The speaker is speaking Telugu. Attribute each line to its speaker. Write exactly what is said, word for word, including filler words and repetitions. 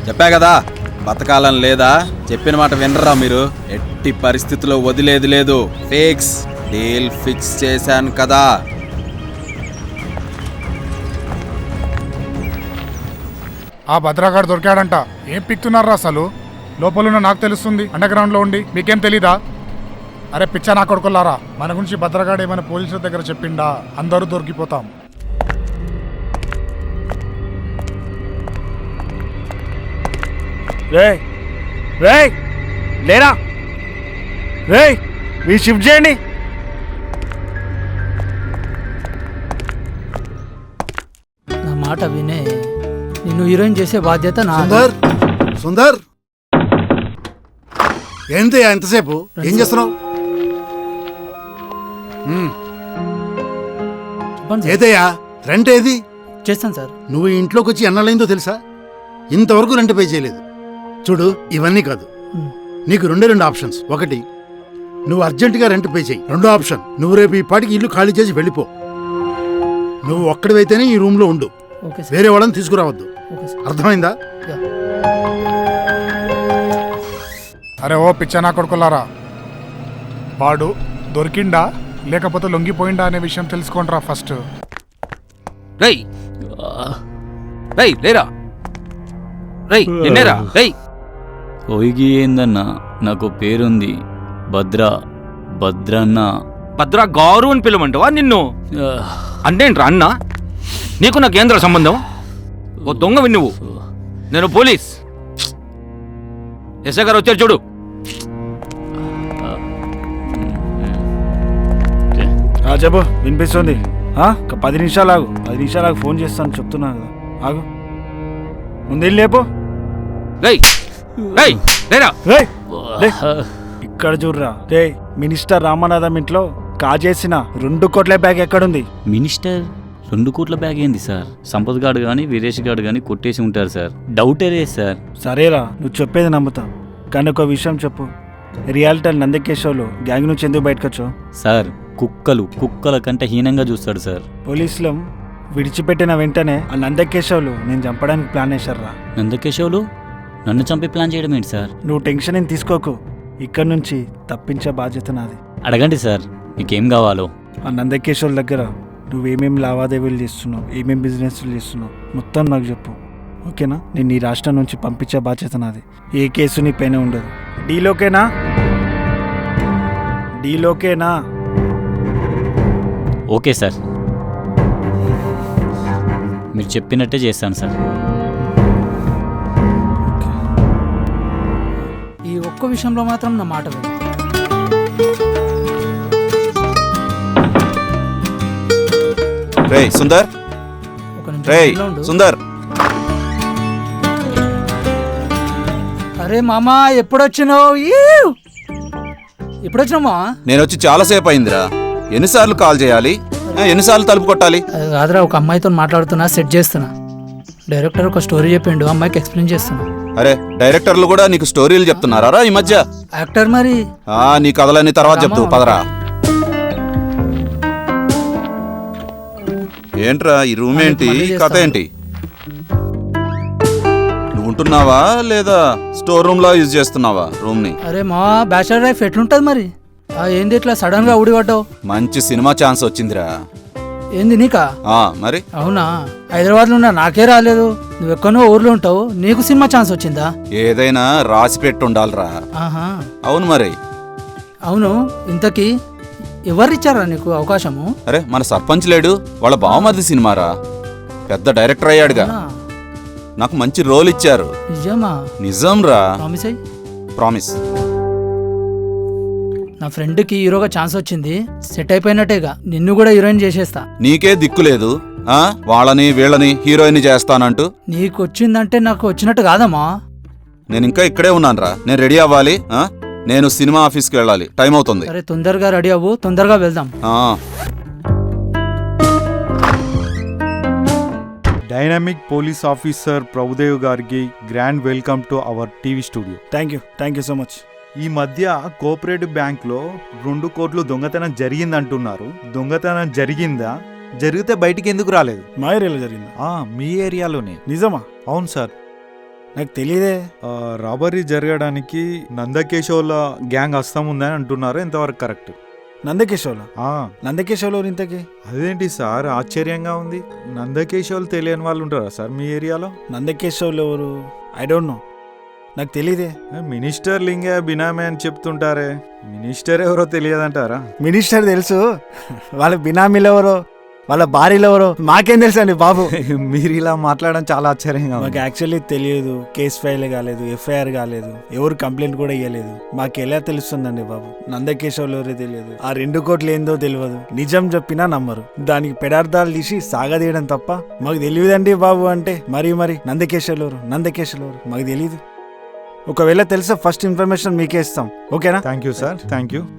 Speaker 1: చెప్పా కదా బతకాలని లేదా? చెప్పిన మాట వినరా మీరు? ఎట్టి పరిస్థితుల్లో వదిలేది లేదు. ఫిక్స్ డీల్ ఫిక్స్ చేశాను కదా.
Speaker 2: ఆ భద్రాగాడు దొరికాడంట. ఏం పిక్తున్నారా అసలు? లోపలున్న నాకు తెలుస్తుంది, అండర్ గ్రౌండ్ లో ఉండి మీకేం తెలీదా? అరే పిచ్చా నా కొడుకులారా, మన గురించి భద్రగాడు ఏమైనా పోలీసుల దగ్గర చెప్పిండా? అందరూ దొరికిపోతాం.
Speaker 3: రే రే లేరా రే, మీ షిఫ్ట్ చేయండి.
Speaker 4: నా మాట వినే, నిన్ను హీరోయిన్ చేసే బాధ్యత నా.
Speaker 5: సుందర్ సుందర్ ఏంటి ఎంతసేపు ఏం చేస్తున్నావు? ఏదయ్యా రెంట్ ఏది?
Speaker 4: చేస్తాను సార్.
Speaker 5: నువ్వు ఇంట్లోకి వచ్చి ఎన్నాళ్ళైందో తెలుసా? ఇంతవరకు రెంట్ పే చేయలేదు. చూడు, ఇవన్నీ కాదు, నీకు రెండే రెండు ఆప్షన్స్. ఒకటి, నువ్వు అర్జెంటుగా రెంట్ పే చేయి. రెండో ఆప్షన్, నువ్వు రేపు ఈ పాటికి ఇల్లు ఖాళీ చేసి వెళ్ళిపో. నువ్వు ఒక్కడివైతేనే ఈ రూమ్ లో ఉండు, వేరే వాళ్ళని తీసుకురావద్దు. అర్థమైందా?
Speaker 2: అరే ఓ పిచ్చా నా కొడుకులారా, వాడు దొరికిండా లేకపోతే లొంగిపోయిందా అనే విషయం తెలుసుకోండిరా ఫస్ట్.
Speaker 6: రై రై లేరా రై నిన్నేరా రై.
Speaker 7: ఓయిగి ఏందన్నా, నాకు పేరుంది భద్ర, భద్రన్న.
Speaker 6: భద్రా గారు అని పిలవమంటావా నిన్ను? అంటేంట్రా అన్న? నీకు నా కేంద్ర సంబంధం? ఓ దొంగవి నువ్వు. నేను పోలీస్. ఎస్ఐ గారు వచ్చారు చూడు.
Speaker 3: చెప్పు, వినిపిస్తుంది. ఒక పది నిమిషాలు ఆగు, పది నిమిషాలు ఆగు, ఫోన్ చేస్తాను చెప్తున్నా కదా. ఆగు, ముందు లేపో.
Speaker 6: రై రై లేరా
Speaker 3: రే, ఇక్కడ చూడరా రే, మినిస్టర్ రామనాథం ఇంట్లో కాజేసిన రెండు కోట్ల బ్యాగ్ ఎక్కడుంది?
Speaker 7: మినిస్టర్ రెండు కోట్ల బ్యాగ్ ఏంది సార్? సంపత్ గాడు కానీ వీరేష్ గాడు కానీ కొట్టేసి ఉంటారు సార్. డౌటరే సార్.
Speaker 3: సరేరా, నువ్వు చెప్పేది నమ్ముతా, కానీ ఒక విషయం చెప్పు. రియాలిటీ నందకేశ్వర్లు గ్యాంగ్ నుంచి ఎందుకు బయటకొచ్చావు?
Speaker 7: సార్, కుక్కలు కుక్కల కంటే హీనంగా చూస్తాడు సార్.
Speaker 3: పోలీసులు విడిచిపెట్టిన వెంటనే ఆ నందకేశ్వర్లు నేను చంపడానికి ప్లాన్ వేశారా.
Speaker 7: నందకేశవులు నన్ను చంపే ప్లాన్ చేయడం ఏంటి సార్?
Speaker 3: నువ్వు టెన్షన్ ఏం తీసుకోకు, ఇక్కడ నుంచి తప్పించే బాధ్యత నాది.
Speaker 7: అడగండి సార్, మీకేం కావాలో.
Speaker 3: ఆ నందకేశ్వర్ దగ్గర నువ్వేమేమి లావాదేవీలు చేస్తున్నావు, ఏమేమి బిజినెస్లు చేస్తున్నావు మొత్తం నాకు చెప్పు, ఓకేనా? నేను ఈ రాష్ట్రం నుంచి పంపించే బాధ్యత నాది. ఏ కేసు నీ పైన ఉండదు. డీలోకేనా? డీలోకేనా?
Speaker 7: ఓకే సార్, మీరు చెప్పినట్టే చేస్తాను సార్.
Speaker 4: ఈ ఒక్క విషయంలో మాత్రం నా మాట విను.
Speaker 1: రేయ్ సుందర్,
Speaker 4: ఒక నిమిషం
Speaker 1: రేయ్
Speaker 4: లైన్లో ఉండు.
Speaker 1: సుందర్.
Speaker 4: అరే మామా, ఎప్పుడొచ్చినావు? ఎప్పుడొచ్చినావు మా?
Speaker 1: నేను వచ్చి చాలాసేపు అయిందిరా. ఎన్నిసార్లు కాల్ చేయాలి? ఆ, ఎన్నిసార్లు తలుపు కొట్టాలి?
Speaker 4: అది కాదురా, ఒక అమ్మాయితో మాట్లాడుతున్నా, సెట్ చేస్తున్నా. డైరెక్టర్ ఒక స్టోరీ చెప్పిండు, అమ్మాయికి ఎక్స్ప్లెయిన్ చేస్తున్నా.
Speaker 1: అరే, డైరెక్టర్లు కూడా నీకు స్టోరీలు చెప్తున్నారా ఈ మధ్య?
Speaker 4: యాక్టర్ మరి.
Speaker 1: ఆ నీ కథలన్నీ తర్వాత చెప్తూ పదరా. ఏంట్రా ఈ రూమ్ ఏంటి, కథ ఏంటి? నువ్వు ఉంటున్నావా లేదా స్టోర్ రూమ్ లో యూజ్ చేస్తున్నావా రూమ్ ని?
Speaker 4: అరే మా, బ్యాచిలర్ లైఫ్ ఎట్లుంటది మరి? ఆ ఏంది ఇట్లా సడన్ గా ఊడిపడ్డావు?
Speaker 1: మంచి సినిమా ఛాన్స్ వచ్చిందిరా.
Speaker 4: ఏంది నీకా?
Speaker 1: ఆ మరి
Speaker 4: అవునా? హైదరాబాద్ లో ఉన్నా, నాకే రాలేదు. నువ్వు ఎక్కడో ఊర్లో ఉంటావు, నీకు సినిమా ఛాన్స్ వచ్చిందా?
Speaker 1: ఏదైనా రాసి పెట్టి ఉండాలిరా.
Speaker 4: ఆహా,
Speaker 1: అవును మరి.
Speaker 4: అవును, ఇంతకీ ఎవరిచ్చారా నీకు అవకాశము?
Speaker 1: అరే మన సర్పంచ్ లేడు, వాళ్ళ బావమరిది సినిమారా, పెద్ద డైరెక్టర్ అయ్యాడుగా. నాకు మంచి రోల్ ఇచ్చారు.
Speaker 4: నిజమా?
Speaker 1: నిజం రా,
Speaker 4: ప్రామిస్ అయ్యి.
Speaker 1: ప్రామిస్.
Speaker 4: నా ఫ్రెండ్ కి హీరోగా ఛాన్స్ వచ్చింది, సెట్ అయిపోయినట్టేగా. నిన్ను కూడా హీరోయిన్ చేసేస్తా.
Speaker 1: నీకే దిక్కు లేదు, ఆ వాళ్ళని వీళ్ళని హీరోయిన్ చేస్తానంటూ.
Speaker 4: నీకు వచ్చిందంటే నాకు వచ్చినట్టు కాదమ్మా.
Speaker 1: నేను ఇంకా ఇక్కడే ఉన్నాను రా, నేను రెడీ అవ్వాలి. ఆ నేను సినిమా ఆఫీస్కి వెళ్ళాలి, టైం అవుతుంది.
Speaker 4: సరే, తొందరగా రెడీ అవ్వు, తొందరగా వెళ్దాం.
Speaker 8: డైనమిక్ పోలీస్ ఆఫీసర్ ప్రభుదేవ్ గారికి grand welcome to our TV studio.
Speaker 3: Thank you thank you so much.
Speaker 8: ఈ మధ్య కోఆపరేటివ్ బ్యాంక్లో రెండు కోట్లు దొంగతనం జరిగిందంటున్నారు. దొంగతనం జరిగిందా? జరిగితే బయటికి ఎందుకు రాలేదు?
Speaker 3: మా ఏరియాలో జరిగిందా?
Speaker 8: మీ ఏరియాలోనే.
Speaker 3: నిజమా?
Speaker 8: అవును సార్.
Speaker 3: నాకు తెలియదే.
Speaker 8: ఆ, రాబరీ జరగడానికి నందకేశవుల గ్యాంగ్ హస్తం ఉందని అంటున్నారు, ఎంతవరకు కరెక్ట్?
Speaker 3: నందకేశ్వర్లో
Speaker 8: ఆ,
Speaker 3: నందకేశ్వర్లో ఇంతకి
Speaker 8: అదేంటి సార్ ఆశ్చర్యంగా ఉంది. నందకేశవులు తెలియని వాళ్ళు ఉంటారా సార్ మీ ఏరియాలో?
Speaker 3: నందకేశ్వర్లు ఎవరు? ఐ డోంట్ నో, నాకు తెలియదే.
Speaker 8: మినిస్టర్ లింగే బినామీ అని చెప్తుంటారే, మినిస్టర్ ఎవరో తెలియదంటారా?
Speaker 3: మినిస్టర్ తెలుసు, వాళ్ళ బినామీలు ఎవరో వాళ్ళ భార్యలు ఎవరో మాకేం తెలుసు అండి బాబు.
Speaker 8: మీరు ఇలా మాట్లాడడం చాలా ఆశ్చర్యంగా
Speaker 3: మాకు
Speaker 8: ఉంది.
Speaker 3: యాక్చువల్లీ తెలియదు, కేసు ఫైల్ కాలేదు, ఎఫ్ఐఆర్ కాలేదు, ఎవరు కంప్లైంట్ కూడా ఇవ్వలేదు. మాకు ఎలా తెలుస్తుందండి బాబు? నందకేశ్వర్లు ఎవరో తెలియదు, ఆ రెండు కోట్లు ఏందో తెలియదు. నిజం చెప్పినా నమ్మరు, దానికి పెడార్థాలు తీసి సాగదీయడం తప్ప మాకు తెలియదండి బాబు అంటే మరి మరి నందకేశ్వర్లు ఎవరు నందకేశ్వర్లు ఎవరు మాకు తెలియదు. ఒకవేళ తెలుసా ఫస్ట్ ఇన్ఫర్మేషన్ మీకే ఇస్తాం, ఓకేనా?
Speaker 8: Thank you sir, thank you.